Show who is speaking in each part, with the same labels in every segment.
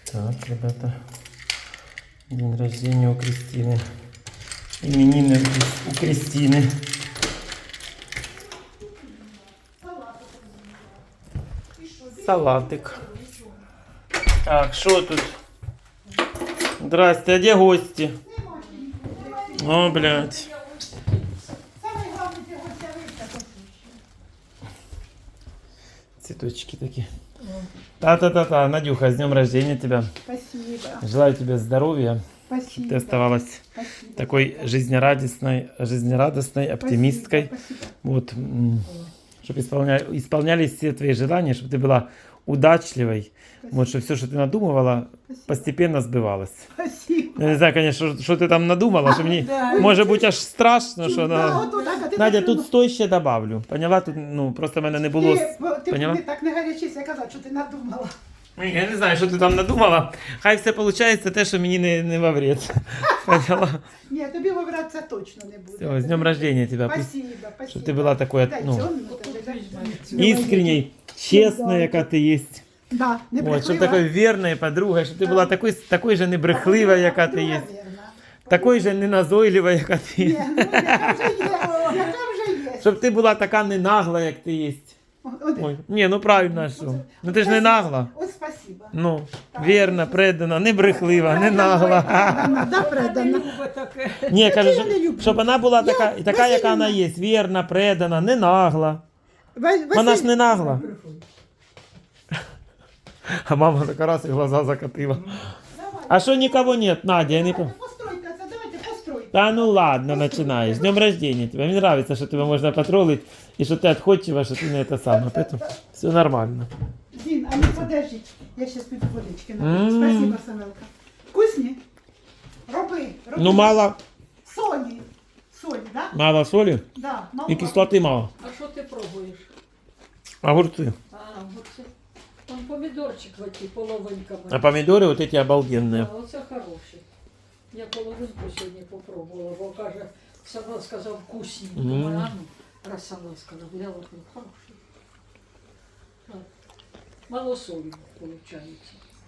Speaker 1: Так, ребята, день рождения у Кристины. Именины у Кристины. Салатик. Так, что тут? Здрасте, а где гости? О, блядь. Цветочки такие. Та-та-та-та, Надюха, с днем рождения тебя.
Speaker 2: Спасибо.
Speaker 1: Желаю тебе здоровья.
Speaker 2: Спасибо.
Speaker 1: Чтобы ты оставалась
Speaker 2: Спасибо.
Speaker 1: такой жизнерадостной, оптимисткой.
Speaker 2: Спасибо.
Speaker 1: Вот, чтобы исполнялись все твои желания, чтобы ты была удачливой. Вот, чтобы все, что ты надумывала, постепенно сбывалось.
Speaker 2: Спасибо.
Speaker 1: Я не знаю, конечно, что ты там надумала, что мне,
Speaker 2: Да.
Speaker 1: может быть, аж страшно, що
Speaker 2: Да,
Speaker 1: на...
Speaker 2: от так, а ти
Speaker 1: Надя,
Speaker 2: так
Speaker 1: тут
Speaker 2: думала.
Speaker 1: стой ще добавлю. Поняла? Тут, просто в мене не було...
Speaker 2: Ти
Speaker 1: Поняла?
Speaker 2: так не гарячись, я казав, що ти надумала.
Speaker 1: Я не знаю, що ти там надумала. Хай все виходить те, що мені не во вред. Поняла?
Speaker 2: Ні, тобі вибратися точно не буде.
Speaker 1: Все, с днем рождения тебя.
Speaker 2: Спасибо, спасибо.
Speaker 1: Щоб ти була такою,
Speaker 2: Дай,
Speaker 1: ну,
Speaker 2: цьому тебе, дай.
Speaker 1: искренней, честной, яка ти є.
Speaker 2: Да, не
Speaker 1: Вот, щоб
Speaker 2: брехлива.
Speaker 1: такою вірною подругою, щоб ти була такою же небрехлива, яка ти є.
Speaker 2: Друга вірна.
Speaker 1: Такою же неназойлива, яка ти
Speaker 2: Ні,
Speaker 1: є.
Speaker 2: ну яка вже є, яка вже є.
Speaker 1: Щоб ти була така ненагла, як ти є.
Speaker 2: От,
Speaker 1: Ой, ні, ну правильно, а що? Ну ти ж не нагла.
Speaker 2: От спасибо.
Speaker 1: Ну, вірна, предана, не брехлива, не нагла.
Speaker 2: Да, предана.
Speaker 1: Ні, кажу,
Speaker 2: я не люблю.
Speaker 1: щоб вона була така,
Speaker 2: Я-
Speaker 1: і така, яка
Speaker 2: Василівна.
Speaker 1: вона є. Вірна, предана, не нагла. Вона ж не нагла. А мама така раз і глаза закатила. А що нікого нет, Надя, я не помню.
Speaker 2: Постройка, це давайте постройка.
Speaker 1: Да ну ладно, начинаешь. С днем рождения тебя. Мне нравится, что тебя можно потроллить, и что ты отходчива, что ты не это самое. Поэтому все нормально.
Speaker 2: Дін, а ну подожди, я сейчас піду водички напию.
Speaker 1: М.
Speaker 2: Спасибо, Самелка. Вкусні? Роби.
Speaker 1: Ну мало,
Speaker 2: Солі. Солі, да?
Speaker 1: мало соли
Speaker 2: Да, мало.
Speaker 1: и кислоты мало.
Speaker 3: А що ти пробуєш?
Speaker 1: Огурцы.
Speaker 3: Оце. Там помідорчик в оті половинками.
Speaker 1: А помидоры вот эти обалденные.
Speaker 3: Оце хороший. Я половинку сьогодні попробувала, бо каже, сама сказав вкусні. Думаю, а ну, раз сама сказав, я от хороший. Так. Мало солі, виходить.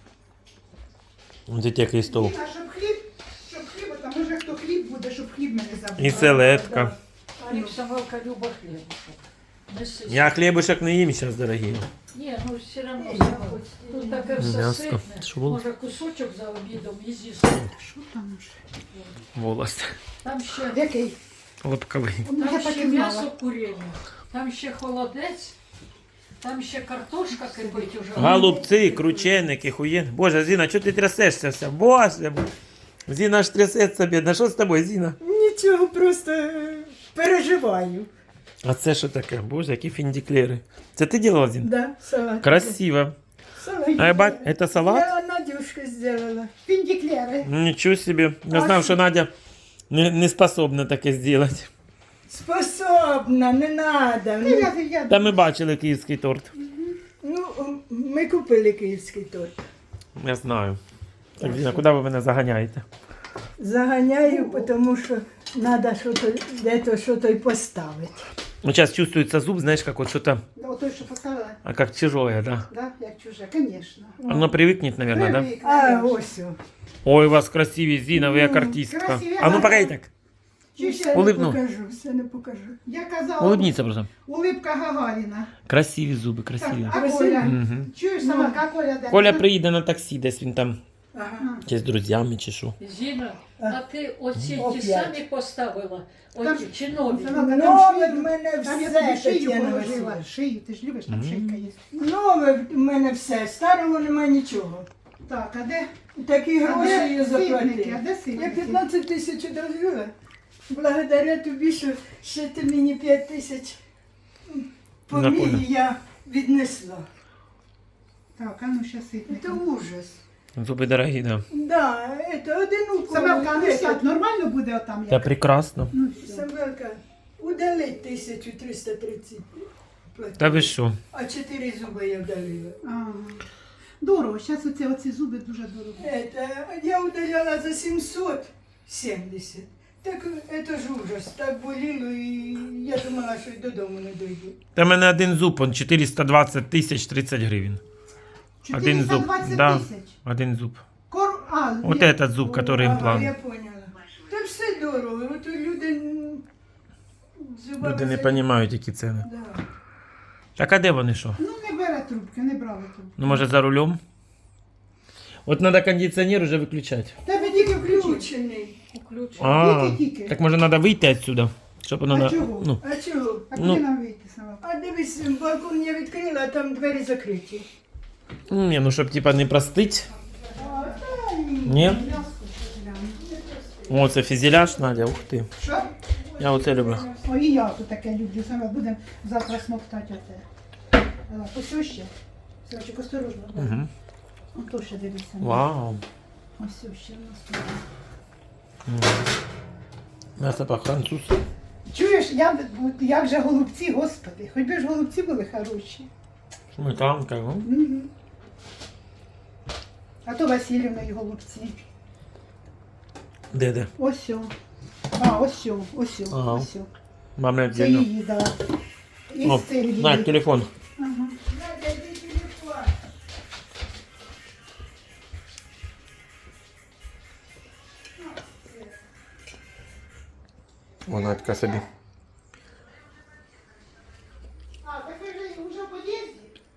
Speaker 1: Вот эти крестов.
Speaker 2: Діна, щоб хліб, там може хто хліб буде, щоб хліб мене забув.
Speaker 1: И селедка.
Speaker 3: А рік Самелка люба хлібушок. Неси.
Speaker 1: Я хлебушек не ем сейчас, дорогие.
Speaker 3: Ні, ну все одно тут таке все
Speaker 1: М'яско.
Speaker 3: ситне.
Speaker 1: Що було?
Speaker 3: Може кусочок за обідом і з'їсти.
Speaker 2: Що там уже?
Speaker 1: Волос.
Speaker 3: Там ще,
Speaker 2: Який?
Speaker 1: Лобковый.
Speaker 2: Я
Speaker 3: там
Speaker 2: так
Speaker 3: ще
Speaker 2: і знала.
Speaker 3: м'ясо курення, там ще холодець, там ще картошка кипить уже.
Speaker 1: Голубцы, крученики, хуен. Боже, Зина, что ты трясешься вся? Боже, Зина аж трясется, бедна. Что с тобой, Зина?
Speaker 4: Нічого, просто переживаю.
Speaker 1: А це що таке? Боже, які фіндіклери. Це ти ділала, Зін?
Speaker 4: Да, салат.
Speaker 1: Красиво.
Speaker 4: Салат.
Speaker 1: А я бать, это салат?
Speaker 4: Я Надюшка сделала.
Speaker 2: Фіндіклери.
Speaker 1: Ничего себе. Я знав, що Надя не способна таке зробити.
Speaker 4: Способна, не надо. Ну,
Speaker 1: Та ми бачили київський торт.
Speaker 4: ну, ми купили київський торт.
Speaker 1: Я знаю. Так, Зіна, куди ви мене заганяєте?
Speaker 4: Заганяю, тому що треба що-то й поставити.
Speaker 1: Ну, зараз чувствується зуб, знаєш, як от що-то,
Speaker 2: Отой, що поставила,
Speaker 1: а як чужое, да?
Speaker 2: да, як чуже, звісно.
Speaker 1: Воно привикне, наверное, да?
Speaker 2: Привик,
Speaker 4: А,
Speaker 2: наверно.
Speaker 4: ось. о.
Speaker 1: Ой, у вас красиві, Зіна, ви як артистка.
Speaker 2: красиві,
Speaker 1: А ну,
Speaker 2: ага.
Speaker 1: погоди так.
Speaker 2: Чи
Speaker 4: Все
Speaker 2: ще?
Speaker 4: не
Speaker 1: Улибну.
Speaker 4: покажу, все не покажу.
Speaker 2: Я казала,
Speaker 1: Улыбніться просто.
Speaker 2: улыбка Гагаріна.
Speaker 1: Красиві зуби,
Speaker 2: Так,
Speaker 1: красиві.
Speaker 2: а
Speaker 4: Красиві.
Speaker 2: Коля?
Speaker 1: Мгм.
Speaker 2: Чуєш, сама, а Коля де?
Speaker 1: Коля приїде на таксі, десь він там,
Speaker 4: Ага.
Speaker 1: чи з друзями, чи що.
Speaker 3: Зіна, а ти оці ті
Speaker 4: Опять.
Speaker 3: самі поставила? Оті чи нові?
Speaker 2: Самелка,
Speaker 4: Нове в мене
Speaker 2: Там я
Speaker 4: все,
Speaker 2: тобі шию
Speaker 4: Тетяна
Speaker 2: положила.
Speaker 4: Васильівна.
Speaker 2: Шию, ти ж любиш, там шийка є.
Speaker 4: Нове в мене все, старого нема нічого.
Speaker 2: Так, а де?
Speaker 4: Такі
Speaker 2: А
Speaker 4: гроші
Speaker 2: де
Speaker 4: я
Speaker 2: сирники?
Speaker 4: заплатила.
Speaker 2: А де
Speaker 4: Я
Speaker 2: сирники?
Speaker 4: 15 тисяч одержала. Благодаря тобі, що ще ти мені 5 тисяч по
Speaker 1: Запомню.
Speaker 4: мірі я віднесла.
Speaker 2: Так, а ну ще ситники.
Speaker 4: Це ужас.
Speaker 1: Зуби дорогі, да.
Speaker 4: Да, це один укол.
Speaker 2: Самелка, а ну сядь, нормально буде отам?
Speaker 1: Та
Speaker 2: Як?
Speaker 1: прекрасно.
Speaker 2: Ну, все.
Speaker 4: Самвелка, удалить 1330 платила.
Speaker 1: Та ви що?
Speaker 4: А 4 зуби я вдалила.
Speaker 2: Ага. Дорого, зараз оці зуби дуже дорого.
Speaker 4: Я удаляла за 770. Так це ж ужас. Так боліло і я думала, що й додому не дойду.
Speaker 1: Та в мене один зуб, он 420 тисяч 30 гривень. Один зуб.
Speaker 2: 420
Speaker 1: Да,
Speaker 2: тисяч.
Speaker 1: один зуб. Вот
Speaker 2: Ні.
Speaker 1: этот зуб, который
Speaker 4: Ага,
Speaker 1: имплант.
Speaker 4: я поняла. Та все дорого. От люди зубами
Speaker 1: Люди не
Speaker 4: за-
Speaker 1: розуміють, які ціни.
Speaker 4: Да.
Speaker 1: Так а де вони що?
Speaker 2: Ну, не бере трубки, не брали трубки.
Speaker 1: Ну, може, за рулем? От треба кондиціонер вже виключати.
Speaker 2: Тебе тільки включить.
Speaker 4: Включений.
Speaker 3: Включу.
Speaker 1: А,
Speaker 2: Тільки.
Speaker 1: так може треба вийти відсюди, щоб воно
Speaker 2: А
Speaker 1: на...
Speaker 2: чого?
Speaker 1: Ну,
Speaker 4: А чого?
Speaker 2: А
Speaker 1: Ну.
Speaker 2: куди нам вийти сама?
Speaker 4: А дивись, балкон я відкрила, а там двері закриті.
Speaker 1: ні, ну щоб типа не простить.
Speaker 4: А, та ні.
Speaker 1: Ні? О, це фізіляж, Надя, ух ти.
Speaker 2: Що?
Speaker 1: Я оце люблю.
Speaker 2: Ой, і я тут таке люблю. Саме будемо завтра смоктати оте. Ось ще. Савчик, осторожно.
Speaker 1: Угу.
Speaker 2: Ото ще дивися.
Speaker 1: Вау.
Speaker 2: Ось ще в нас тут.
Speaker 1: М'ясо по-французьки.
Speaker 2: Чуєш, як же голубці, господи. Хоч би ж голубці були хороші.
Speaker 1: Сметанка, ну.
Speaker 2: Мгм. А то Васильівна і голубці.
Speaker 1: Де?
Speaker 2: Ось о. А, ось о, ось о,
Speaker 1: Ага.
Speaker 2: ось о.
Speaker 1: Мама
Speaker 2: Це
Speaker 1: віддільно.
Speaker 2: її, да. І
Speaker 1: О,
Speaker 2: сир її.
Speaker 1: на, телефон.
Speaker 2: Ага.
Speaker 4: Надя, йди телефон.
Speaker 1: Вона така собі.
Speaker 2: А, так ви вже в під'їзді?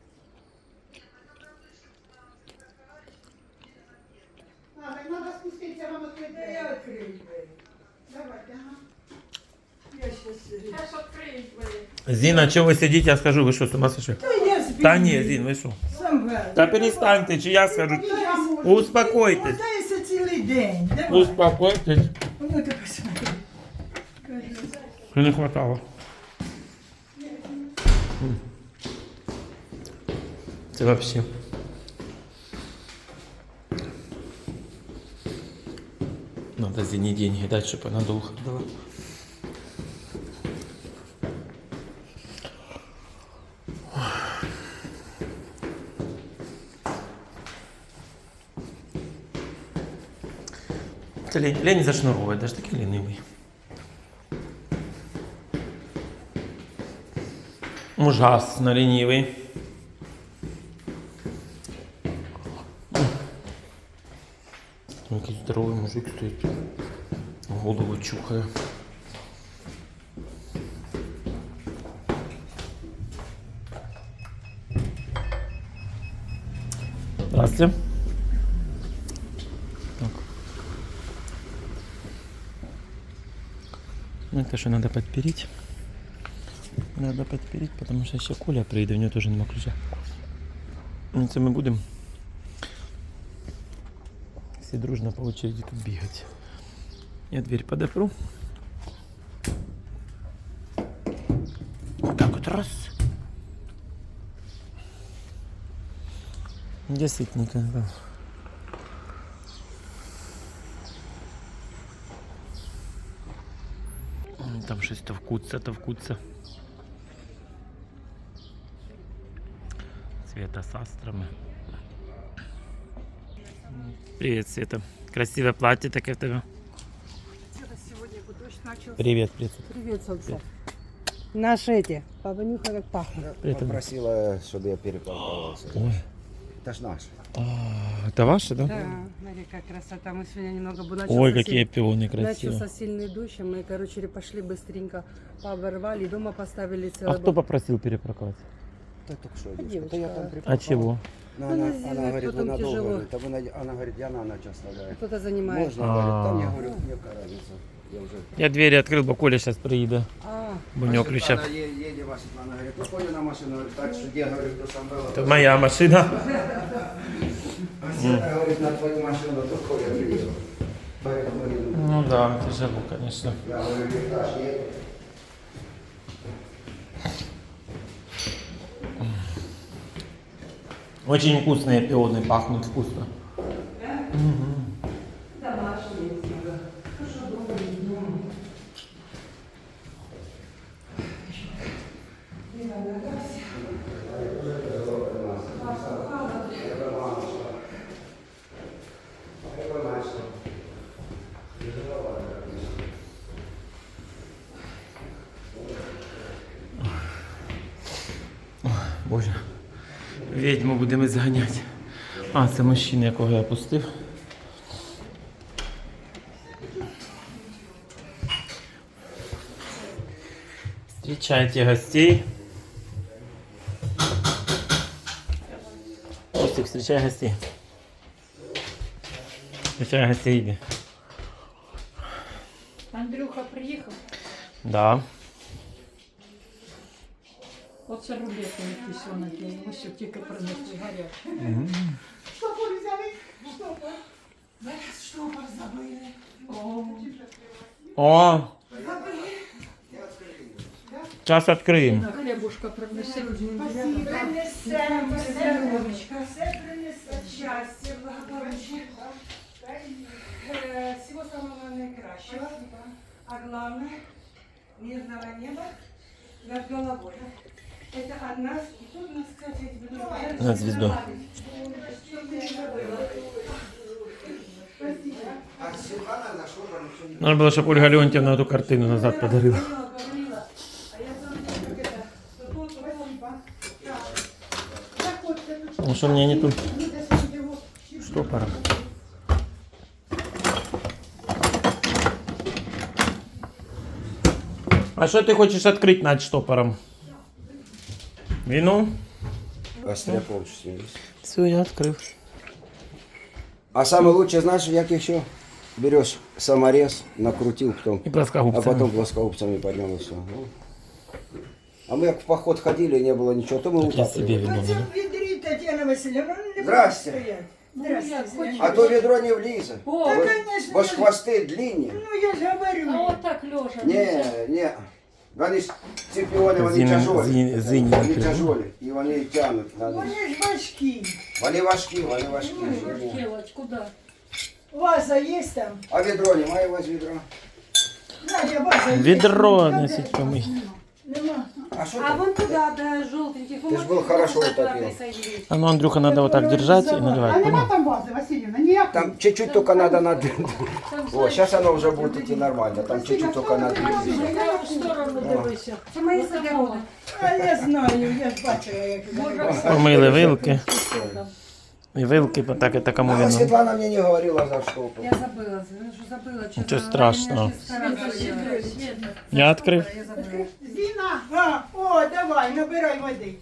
Speaker 2: А, так треба спуститися вам відкрити.
Speaker 4: Та я відкрию двері.
Speaker 2: Давайте, ага.
Speaker 4: Я щас...
Speaker 3: Зараз відкриють двері.
Speaker 1: Зіна, чого ви сидите, я скажу, ви що, з ума сошли?
Speaker 4: Та я збігаю.
Speaker 1: Та ні, Зін, ви що?
Speaker 4: Сам
Speaker 1: Та перестаньте, чи я скажу. Успокойтесь.
Speaker 4: Мотаєшся цілий день. Давай.
Speaker 1: Успокойтесь.
Speaker 4: Ну ти посмотри.
Speaker 1: Що не хватало. Це вообще. Надо Зине деньги дать, чтобы она долго ходила. Це лень зашнуровывать, даже такий ленивий. Ужасно ленивый. Який здоровий мужик стоїть. Голову чухає. Здравствуйте. Так. Ну это что надо подпереть. Надо подпереть, потому что еще Коля приедет, у него тоже нема ключа. Ну, це ми будемо все дружно по очереди тут бегать. Я дверь подопру. Вот так вот раз. Где сытника? Да. Там щось товкуться, товкуться. Света с астрами. Привет, Света. Красивое платье такое в тебе.
Speaker 5: Сегодня дождь начался.
Speaker 1: Привет, привет.
Speaker 5: Привет, солнце. Наши эти, понюхай, как пахнет.
Speaker 1: Привет.
Speaker 6: Попросила, чтобы я перепарковался.
Speaker 1: Ой,
Speaker 6: Это ж наш.
Speaker 1: это ваше, да?
Speaker 5: Да, смотри, как красота. Мы сегодня немного бы
Speaker 1: Ой, какие пионы красивые.
Speaker 5: Начался сильный дождь, и мы, короче, пошли быстренько, пооборвали, дома поставили
Speaker 1: А
Speaker 5: целый
Speaker 1: кто попросил перепарковать?
Speaker 6: Да только что,
Speaker 5: девушка.
Speaker 6: девушка. Да я там
Speaker 1: А
Speaker 6: припарковал.
Speaker 1: чего?
Speaker 6: Ну,
Speaker 5: Ну,
Speaker 6: она,
Speaker 5: на зиму
Speaker 6: она говорит, вы
Speaker 5: потом
Speaker 6: надолго.
Speaker 5: тяжело.
Speaker 6: Говорит, она говорит, я на ночь оставляю.
Speaker 5: Кто-то занимается.
Speaker 6: Можно, говорит, там я
Speaker 1: А.
Speaker 6: говорю, какая разница. Я уже...
Speaker 1: Я двери открыл, бо Коля сейчас приедет.
Speaker 5: А,
Speaker 1: Бо у него ключа.
Speaker 6: Она едет, ваша Светлана говорит, ну, Коля на машину, говорит, так что где, говорит, кто сам был.
Speaker 1: Это моя машина.
Speaker 6: А Света говорит, на твою машину, то Коля приехал. Поэтому говорит,
Speaker 1: Ну да, тяжело, конечно.
Speaker 6: я говорю, Виташ, едет.
Speaker 1: Очень вкусные пионы, пахнут вкусно. Боже, ведьму будемо зганяти. А, це мужчина, якого я пустив. Встречайте гостей. Костик, встречай гостей. Встречай гостей, иди.
Speaker 3: Андрюха приїхав.
Speaker 1: Да.
Speaker 3: Оце рулети якісь вони є. Ось тільки принесли гарячі.
Speaker 2: Штопор взяли? Штопор. Штопор забили.
Speaker 1: О! Сейчас откроем.
Speaker 3: На хлібушка принесли.
Speaker 4: Принесемо, все, Любочка, все принесе щастя, благополуччя. Всего самого наикращего. А главное, мирного неба над головой. Это от нас. И тут у нас, кстати, я тебе нужно
Speaker 1: На звезду.
Speaker 6: А Светлана зашла, там ничего не...
Speaker 1: Надо было, чтобы Ольга Леонтьевна эту картину назад подарила. Ну что, мне нету штопора. А что ты хочешь открыть над штопором? Вину?
Speaker 6: Остря полчаса.
Speaker 1: Все, я открыл.
Speaker 6: А самое лучшее, знаешь, як еще берешь саморез, накрутил, потом,
Speaker 1: И плоскогубцами.
Speaker 6: а потом плоскогубцами поднял и все. А мы как в поход ходили, не было ничего, то мы
Speaker 1: Так я себе
Speaker 6: утапливали.
Speaker 1: вину
Speaker 4: Це
Speaker 1: налил.
Speaker 4: в відрі, Тетяна Васильівна, ну, не
Speaker 6: Здрасте.
Speaker 4: буде стояти. Здрасте.
Speaker 6: А то ведро не влезет.
Speaker 3: О,
Speaker 4: Та,
Speaker 6: Бо
Speaker 4: конечно,
Speaker 6: ж хвосты длиннее.
Speaker 4: ну я ж говорю.
Speaker 3: а отак лежа.
Speaker 6: Не. Вони ж ці піони, вони
Speaker 1: Зіні-
Speaker 6: тяжолі.
Speaker 1: зіні
Speaker 6: Вони
Speaker 1: накрили.
Speaker 6: тяжолі. І вони тягнуть. Надо.
Speaker 4: Вони ж важкі.
Speaker 6: Вони важкі, вони важкі.
Speaker 3: Делать, куди?
Speaker 4: Ваза є там?
Speaker 6: А ведро немає у вас ведро?
Speaker 4: Надя, ваза є?
Speaker 1: Ведро
Speaker 4: Там
Speaker 1: носить
Speaker 4: де?
Speaker 1: помыть.
Speaker 4: Нема.
Speaker 6: А що
Speaker 5: А
Speaker 6: там?
Speaker 5: вон туда, до желтеньких.
Speaker 6: Ты ж был хорошо утопил.
Speaker 1: А ну, Андрюха, надо вот так держать и
Speaker 2: А
Speaker 1: наливать,
Speaker 2: нема
Speaker 1: понял?
Speaker 2: там вази, Васильівна, ніякої?
Speaker 6: Там чуть-чуть только надо над...
Speaker 3: Там,
Speaker 6: О, сейчас оно уже будет идти нормально. Там чуть-чуть только надо.
Speaker 3: в праву сторону дивися.
Speaker 5: Це мої загороди.
Speaker 4: А я знаю, я ж бачила, як
Speaker 1: Помыли вилки. И вилки, так это кому
Speaker 6: А
Speaker 1: вину?
Speaker 6: Светлана мне не говорила за что.
Speaker 5: Я забыла, ну що забыла. честно
Speaker 1: Нічого
Speaker 5: говоря,
Speaker 1: страшного.
Speaker 5: я ще
Speaker 3: Света,
Speaker 5: старалась.
Speaker 3: сідай, Света.
Speaker 1: Я открыл.
Speaker 5: Я забыла.
Speaker 2: Зіна,
Speaker 4: А, о, давай, набирай води.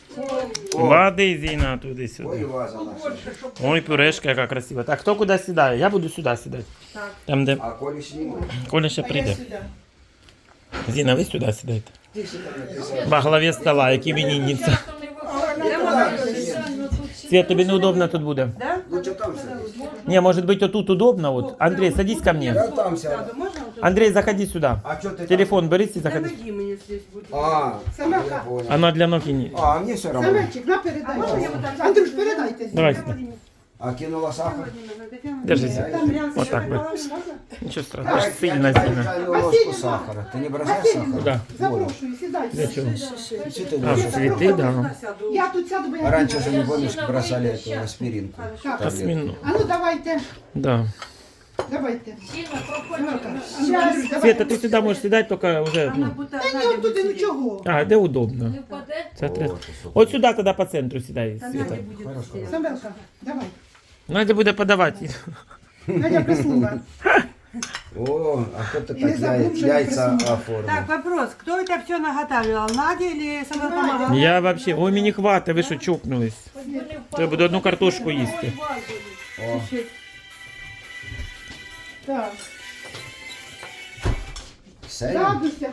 Speaker 1: Воды, Зина,
Speaker 6: Ой,
Speaker 1: туда-сюда.
Speaker 6: ваза наша.
Speaker 1: Ой, пюрешка, какая красивая. Так, кто куда сідає? Я буду сюда сідати.
Speaker 5: Так.
Speaker 1: Там, где
Speaker 6: А Коля снимет.
Speaker 1: Коля ще
Speaker 4: А я
Speaker 1: прийде.
Speaker 4: сюди.
Speaker 1: Зіна, ви сюди сідайте. Во главі стола, як іменинниця.
Speaker 3: Часто не виходить.
Speaker 1: Свет, тобі неудобно тут буде.
Speaker 5: Да?
Speaker 6: Лучше там садись.
Speaker 1: Не, может быть, вот тут удобно. Вот. Андрей, садись ко мне.
Speaker 6: Я там сяду.
Speaker 5: Сяду, можна? отут?
Speaker 1: Андрей, заходи сюда.
Speaker 6: А что ты там?
Speaker 1: Телефон бери и
Speaker 5: Та
Speaker 1: заходи.
Speaker 5: ноги мені здесь буде.
Speaker 6: А,
Speaker 2: Самака.
Speaker 6: я понял.
Speaker 1: Она для ноги не...
Speaker 6: А, мне все равно.
Speaker 2: Самечик, на передачу. Андрюш, передайте.
Speaker 1: Давай сюда.
Speaker 6: А кинула сахар?
Speaker 1: Держись.
Speaker 2: Там рядом.
Speaker 1: Вот так вот.
Speaker 2: Можна?
Speaker 1: Ничего страшного. Аж сильно, сильно.
Speaker 6: Чайную ложку сахара. Ты не бросаешь сахар?
Speaker 1: Да.
Speaker 2: Запрошую, сідайте.
Speaker 1: Для чего?
Speaker 6: Что ты
Speaker 1: А,
Speaker 6: ложишь?
Speaker 1: цветы, да.
Speaker 2: Я тут сяду, бо я...
Speaker 6: Раньше же, не помнишь, бросали эту аспиринку.
Speaker 2: Так,
Speaker 1: Осьмину.
Speaker 2: а ну давайте,
Speaker 1: Да.
Speaker 2: давайте.
Speaker 3: Сіна, проходь.
Speaker 2: Щас,
Speaker 1: Света, ты сюда можешь сідати, только уже...
Speaker 5: Вона
Speaker 1: Ну.
Speaker 5: буде
Speaker 2: Та ні, туди нічого.
Speaker 1: А, де удобно.
Speaker 3: Не впаде?
Speaker 1: Це треба. От сюди тоді по центру сідай,
Speaker 5: Та
Speaker 1: Света.
Speaker 5: Надя буде здесь.
Speaker 2: Самелка, давай.
Speaker 1: Надя буде подавати.
Speaker 2: Надя приснула.
Speaker 6: О, а кто-то
Speaker 2: Или
Speaker 6: так
Speaker 2: забыл, что
Speaker 6: яйца
Speaker 2: не приснула.
Speaker 6: оформил.
Speaker 5: Так, вопрос. Кто это все наготавливал? Надя или сама помогала?
Speaker 1: Я вообще... Ой, мені хватить, ви що чокнулись?
Speaker 3: Хоч би не впаде.
Speaker 1: Треба буде одну картошку їсти.
Speaker 6: О,
Speaker 2: Так,
Speaker 6: Сеня?
Speaker 2: радуйся.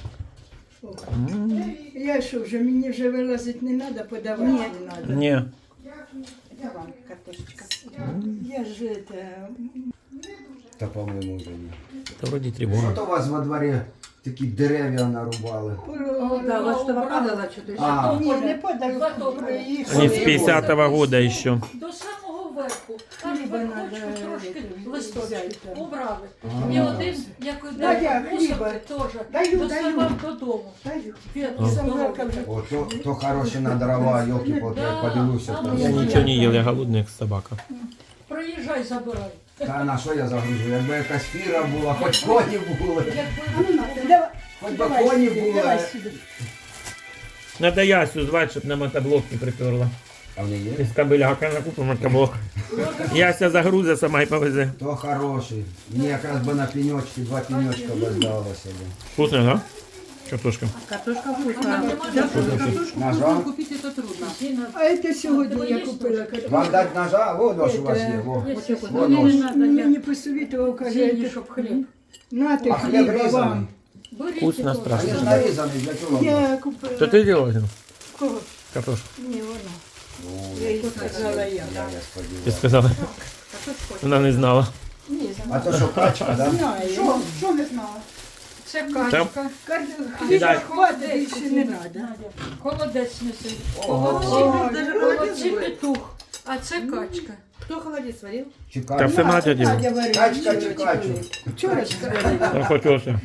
Speaker 4: Я що вже, мені вже вилазити не треба, подавати не треба.
Speaker 1: Ні.
Speaker 2: Давай, картошечка.
Speaker 4: Я ж это...
Speaker 6: Да, по-моему, уже нет.
Speaker 1: Та вроді тривога.
Speaker 6: Что у вас во дворе такие деревья нарубали?
Speaker 5: Да, вот что попадало что-то.
Speaker 6: А,
Speaker 4: Ні, не подаю.
Speaker 1: Они с 50-го года еще.
Speaker 3: До самого верху. Аж
Speaker 4: Хліба
Speaker 3: верхочку
Speaker 4: надо,
Speaker 3: трошки
Speaker 4: взяти.
Speaker 3: листочки убрали.
Speaker 6: А.
Speaker 3: І один, як
Speaker 4: Надя,
Speaker 3: іде
Speaker 4: хліба.
Speaker 3: мусорки теж,
Speaker 2: Даю,
Speaker 3: доставав додому.
Speaker 2: Даю.
Speaker 3: Ветку
Speaker 4: Самелка вже.
Speaker 6: о, то хорошие на дрова, елки-палки, я подивлюся.
Speaker 3: Да,
Speaker 6: там.
Speaker 1: Я нічого не їв, я голодний, як собака.
Speaker 3: Приїжджай, забирай.
Speaker 6: Та на що я загружу? Якби якась фіра була, хоч коні були.
Speaker 2: А ну на,
Speaker 4: Давай,
Speaker 6: Хоч би
Speaker 4: давай
Speaker 6: коні
Speaker 4: сюди,
Speaker 6: були.
Speaker 4: давай сюди.
Speaker 1: Надо Ясю звати, щоб на мотоблок не приперла.
Speaker 6: А вони є?
Speaker 1: Із кабеляка накупимо кабок. Яся загрузе, сама й повезе.
Speaker 6: То хороший. Мені якраз би на пеньочки, 2 пеньочка би здалося.
Speaker 1: Вкусно, да? Картошка.
Speaker 5: Картошка вкусная. Да, картошку
Speaker 6: Ножа?
Speaker 5: вкусную купить это трудно.
Speaker 2: А це сьогодні я купила картошку.
Speaker 6: Вам дать ножа? Вот нож у вас є. Во. Во
Speaker 2: Мені
Speaker 6: нож.
Speaker 2: мені посовітував, каже,
Speaker 3: Зелень, щоб хліб.
Speaker 2: нате
Speaker 6: А хліб
Speaker 2: хліба
Speaker 6: різаний?
Speaker 2: вам.
Speaker 3: Беріть
Speaker 1: Вкусно,
Speaker 3: його.
Speaker 1: страшно.
Speaker 6: Він ж нарізаний для чого?
Speaker 2: Я купила.
Speaker 1: Що ти робила?
Speaker 2: Кого?
Speaker 1: Картошку.
Speaker 2: Ні, вона. Я їй сказала я.
Speaker 1: Ти сказала. Вона не знала.
Speaker 6: А то що, качка, да?
Speaker 2: Знаю. Що не знала?
Speaker 3: Це качка.
Speaker 2: Хліба хватить, більше не треба.
Speaker 3: Надя, холодець неси.
Speaker 5: Даже
Speaker 3: Холодці петух. А це качка.
Speaker 5: Кто холодец сварил?
Speaker 6: Чи
Speaker 1: Та
Speaker 6: качка?
Speaker 1: все Надя діла.
Speaker 6: Качка чи качу?
Speaker 2: Вчора
Speaker 1: Я хотівся.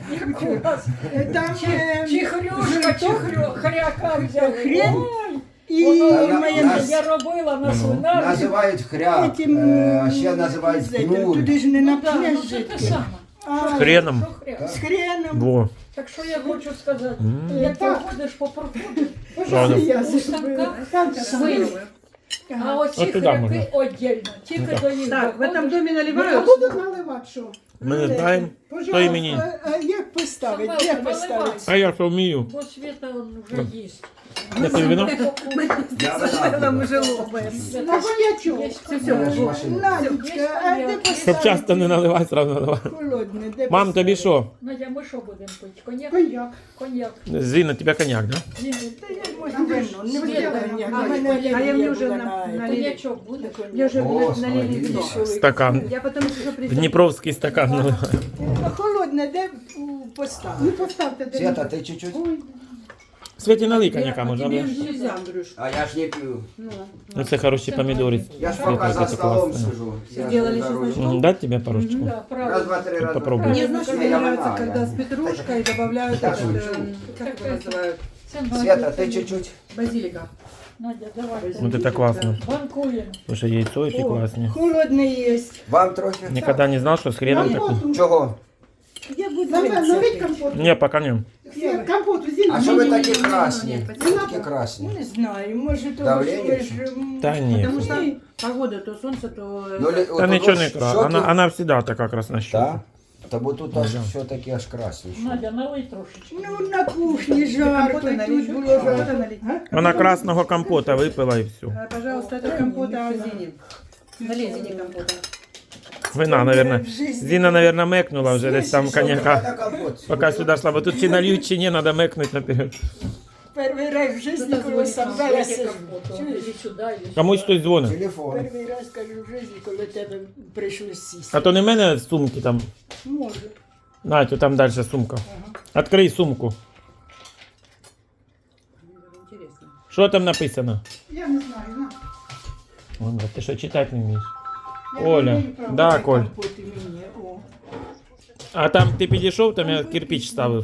Speaker 2: там
Speaker 3: Чи хрюшка, чи хряка взяли.
Speaker 2: Хрен?
Speaker 3: Ой,
Speaker 2: і
Speaker 3: воно
Speaker 2: майонез.
Speaker 3: я робила на свинарі.
Speaker 6: Називають хряк, а ще називають гнуль.
Speaker 2: Туди ж не
Speaker 3: Ну так,
Speaker 2: напнеш
Speaker 3: ну це те саме.
Speaker 2: А,
Speaker 1: Хреном.
Speaker 3: Що хряк?
Speaker 2: з хреном.
Speaker 1: Во.
Speaker 3: Так що я хочу сказати, як проходиш по проходу,
Speaker 1: Правда.
Speaker 2: Я
Speaker 3: у станках свині. А оці
Speaker 1: От туди можна.
Speaker 3: хряки віддільно, тільки до них
Speaker 5: Так, в этом
Speaker 3: доходиш.
Speaker 5: доме
Speaker 2: А
Speaker 5: наливают?
Speaker 2: будуть наливати що?
Speaker 1: Ми не знаємо, хто імені.
Speaker 2: А як поставити?
Speaker 3: Самелка,
Speaker 2: Де поставити?
Speaker 3: наливай.
Speaker 1: А я що вмію.
Speaker 3: Бо Света он вже їсть.
Speaker 1: Не пив вино?
Speaker 6: Я
Speaker 5: Там
Speaker 6: вина.
Speaker 5: уже лопаем.
Speaker 2: На коньячок. Надечка, а де
Speaker 1: Щоб
Speaker 2: поставити?
Speaker 1: часто не наливай, сразу наливай.
Speaker 2: Холодне, де
Speaker 1: Мам, тобі що?
Speaker 3: Надя, ми що будемо пити? Коньяк?
Speaker 2: Коньяк.
Speaker 3: Коньяк.
Speaker 1: Зіна, тебе коньяк, да?
Speaker 3: Ні,
Speaker 2: Та я можу вино, не
Speaker 3: Світа,
Speaker 2: коньяк.
Speaker 3: а
Speaker 2: У мене
Speaker 3: коньяк.
Speaker 5: А я мне
Speaker 2: алергія
Speaker 5: уже
Speaker 2: була на
Speaker 5: налили.
Speaker 3: коньячок буде?
Speaker 5: Мне уже
Speaker 6: О,
Speaker 5: налили
Speaker 6: смотри.
Speaker 5: вино.
Speaker 1: Стакан.
Speaker 5: Я потом еще приду.
Speaker 1: Дніпровський стакан наливай.
Speaker 2: А холодне, де поставити? Ну поставте, де.
Speaker 6: Света, ти чуть-чуть?
Speaker 2: Ой,
Speaker 1: Світі налий коньяка, може,
Speaker 5: Тебе
Speaker 1: або?
Speaker 5: же нельзя, Андрюш.
Speaker 6: А я ж не п'ю.
Speaker 1: Ну це хороші помідори.
Speaker 6: Я ж
Speaker 1: Світа,
Speaker 6: поки за
Speaker 1: це
Speaker 6: столом
Speaker 1: класно.
Speaker 6: сижу. Я ж
Speaker 5: Сделали
Speaker 6: не за рулем.
Speaker 5: чесночок.
Speaker 1: Дать тебе парочку?
Speaker 3: Да,
Speaker 6: Раз,
Speaker 3: правильно.
Speaker 6: два, три, раз,
Speaker 1: Попробуй.
Speaker 6: два, три.
Speaker 5: Мне, знаешь,
Speaker 6: Не,
Speaker 5: мне
Speaker 6: я
Speaker 5: нравится,
Speaker 6: вина,
Speaker 5: когда
Speaker 6: я.
Speaker 5: с петрушкой добавляют
Speaker 6: Так,
Speaker 5: этот,
Speaker 6: шучу.
Speaker 5: как его называют,
Speaker 3: Це Надя.
Speaker 6: Света, ти чуть-чуть?
Speaker 5: базилика.
Speaker 3: Надя, давай.
Speaker 1: Ну це так класно.
Speaker 3: Банкуємо.
Speaker 1: Слушай, яйцо які класні.
Speaker 2: холодне є.
Speaker 6: Вам трохи?
Speaker 1: Ніколи не знав, що з хреном таку.
Speaker 2: Компоту.
Speaker 6: Чого?
Speaker 5: Я буду
Speaker 2: Налить компоту.
Speaker 1: Ні, поки не.
Speaker 2: Компоту, зелень.
Speaker 6: А що ви такі красні?
Speaker 5: Ні,
Speaker 6: Ви такі красні.
Speaker 2: Не знаю, може того,
Speaker 6: Давлення
Speaker 2: що ви ж...
Speaker 1: Та ні.
Speaker 5: Потому что погода, то солнце, то...
Speaker 6: Ну,
Speaker 1: Та нічого не кра. Вона завжди така краснощока.
Speaker 6: Так? Та бо тут аж все-таки аж красніше.
Speaker 3: Надя, налий трошечки.
Speaker 2: Ну, на кухні жарко,
Speaker 5: Компота налить,
Speaker 2: тут було
Speaker 5: компота
Speaker 2: жарко.
Speaker 5: налить.
Speaker 1: Вона красного компота випила і все.
Speaker 5: Пожалуйста, это компота Зини. Налей Зини компота.
Speaker 1: Вина, наверное. Зіна, наверное, мекнула вже десь там коньяка.
Speaker 6: Це компот.
Speaker 1: Поки сюди йшла, бо тут чи нальють, чи ні, треба мекнути наперед.
Speaker 2: Перший раз в житті,
Speaker 5: Тут
Speaker 2: коли сам зараз
Speaker 3: Яке компоту? Іди сюди, іди сюди.
Speaker 1: Комусь хтось дзвонить.
Speaker 6: Телефон.
Speaker 2: Перший раз, кажу, в житті, коли тебе прийшлось сісти.
Speaker 1: А то не в мене сумки там.
Speaker 2: Може.
Speaker 1: Надь, там далі сумка. Відкрий сумку.
Speaker 5: Интересно.
Speaker 1: Що там написано?
Speaker 2: Я не знаю, на.
Speaker 1: Ой, брат, ти що читати не вмієш?
Speaker 2: Я
Speaker 1: Оля,
Speaker 2: не маю права
Speaker 1: да,
Speaker 2: брати
Speaker 1: Коль.
Speaker 2: компоти мені, о.
Speaker 1: А там ти підійшов, там я кирпич ставив.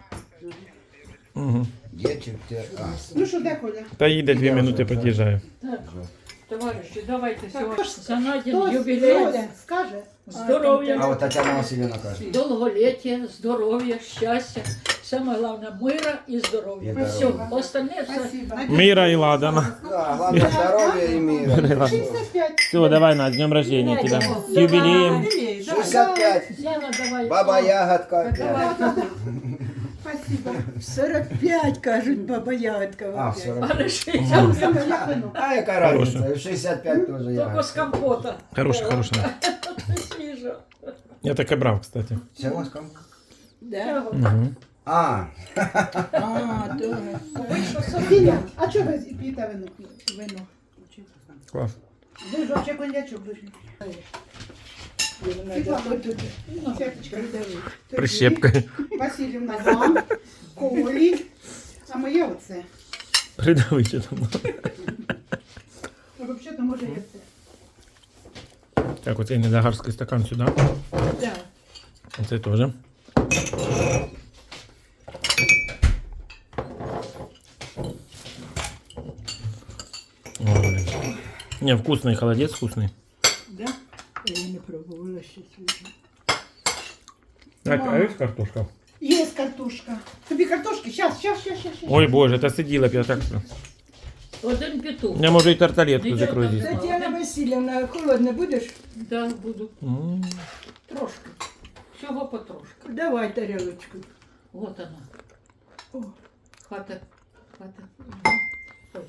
Speaker 1: Угу.
Speaker 6: Є чи ти? А.
Speaker 2: Ну що, де Коля?
Speaker 1: Та їде 2 минути, під'їжджає.
Speaker 3: Так, товариші, давайте сьогодні за Надін
Speaker 2: Хто
Speaker 3: юбілей.
Speaker 2: скаже?
Speaker 6: А
Speaker 3: Здоров'я,
Speaker 6: от Тетяна Васильівна каже.
Speaker 3: довголіття, здоров'я, щастя. Саме головне мира і здоров'я.
Speaker 6: І
Speaker 3: Все,
Speaker 6: здоров'я.
Speaker 3: остальне все.
Speaker 2: Спасибо.
Speaker 1: Міра і ладана.
Speaker 6: Да, головне здоров'я і мира.
Speaker 2: 65.
Speaker 1: Все, давай, Надь, з днем рождения тебя. С юбилеем.
Speaker 6: 65.
Speaker 3: Яна, давай.
Speaker 6: Баба Ягодка.
Speaker 2: Спасибо. 45, кажуть, баба Ягодка.
Speaker 6: А, 40.
Speaker 3: Але 60
Speaker 6: А яка разниця? В 65 теж
Speaker 3: тільки з
Speaker 6: ягодка.
Speaker 3: компота.
Speaker 1: Хорошая, хорошая.
Speaker 3: Свіжо.
Speaker 1: Я таке брав, кстати.
Speaker 6: Чого з ком?
Speaker 2: Да?
Speaker 1: Угу.
Speaker 6: А,
Speaker 2: А, добре. Софія, а чого ви п'єте вино? Вино.
Speaker 1: Клас.
Speaker 2: Ви ж вообще коньячок дуже. Світлана, ось тут. Святочка,
Speaker 1: Прищепкою.
Speaker 2: Васильівна вам, Колі, а моє оце.
Speaker 1: Придави, що там.
Speaker 2: Ну, взагалі-то може є це.
Speaker 1: Так, оцей недогарський стакан сюди.
Speaker 2: Да.
Speaker 1: Оце теж. Ой, блин. Не, вкусный холодец, вкусный.
Speaker 2: Да? Я не пробувала ще свіжу.
Speaker 1: Так, а есть картошка?
Speaker 2: Є картошка. Тобі картошки? Щас.
Speaker 1: Ой, боже, это сидела б я так.
Speaker 3: Один петух.
Speaker 1: Я можу і тарталетку
Speaker 3: Нічого
Speaker 1: закрою
Speaker 3: там
Speaker 1: здесь.
Speaker 3: нема.
Speaker 4: Тетяна Васильевна, холодно будеш?
Speaker 3: Да, буду.
Speaker 1: М.
Speaker 3: Трошки. Всього потрошки.
Speaker 4: Давай тарелочку.
Speaker 3: Вот она.
Speaker 4: О.
Speaker 3: Хата. Хата. Ой.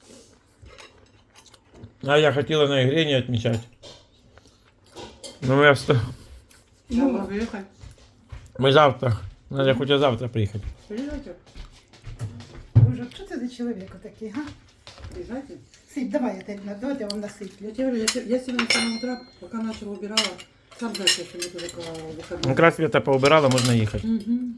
Speaker 1: А я хотіла на ігрі не відмічати. Ну, я встав.
Speaker 5: Надо выехать.
Speaker 1: Ми завтра. Надо хоча завтра приїхати.
Speaker 5: Приезжайте.
Speaker 2: Боже, що це за чоловік такий, га?
Speaker 5: Приезжайте.
Speaker 2: Сип, давай я тебе, давайте я вам насиплю.
Speaker 5: Я тебе говорю, я сегодня с самого утра, пока начала убирала, сам знаешь, что мне тоже выходной.
Speaker 1: Якраз Света поубирала, можна їхати.
Speaker 5: Мгм.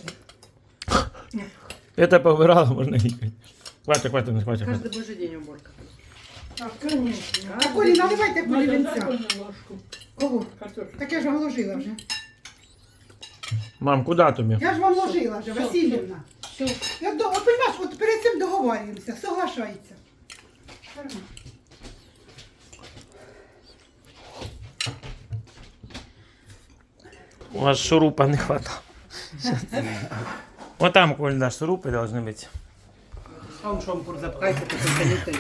Speaker 1: Света поубирала, можна їхати. Хватить, не хватить.
Speaker 5: Каждый божий день уборка.
Speaker 2: Так, конечно. А Колі, наливайте Колі
Speaker 3: Надо
Speaker 2: вінця.
Speaker 3: дай мені ложку.
Speaker 2: Кого?
Speaker 3: Картошку.
Speaker 2: Так я ж вам ложила вже.
Speaker 1: Мам, куди тобі?
Speaker 2: Я ж вам ложила вже,
Speaker 3: Все,
Speaker 2: Васильівна.
Speaker 3: Все.
Speaker 2: От понимаєш, от перед цим договорюємося, соглашається.
Speaker 1: У вас шурупа не хватало. Вот там, Коль, да, шурупы должны быть.
Speaker 5: Сам шампур запхайте, потом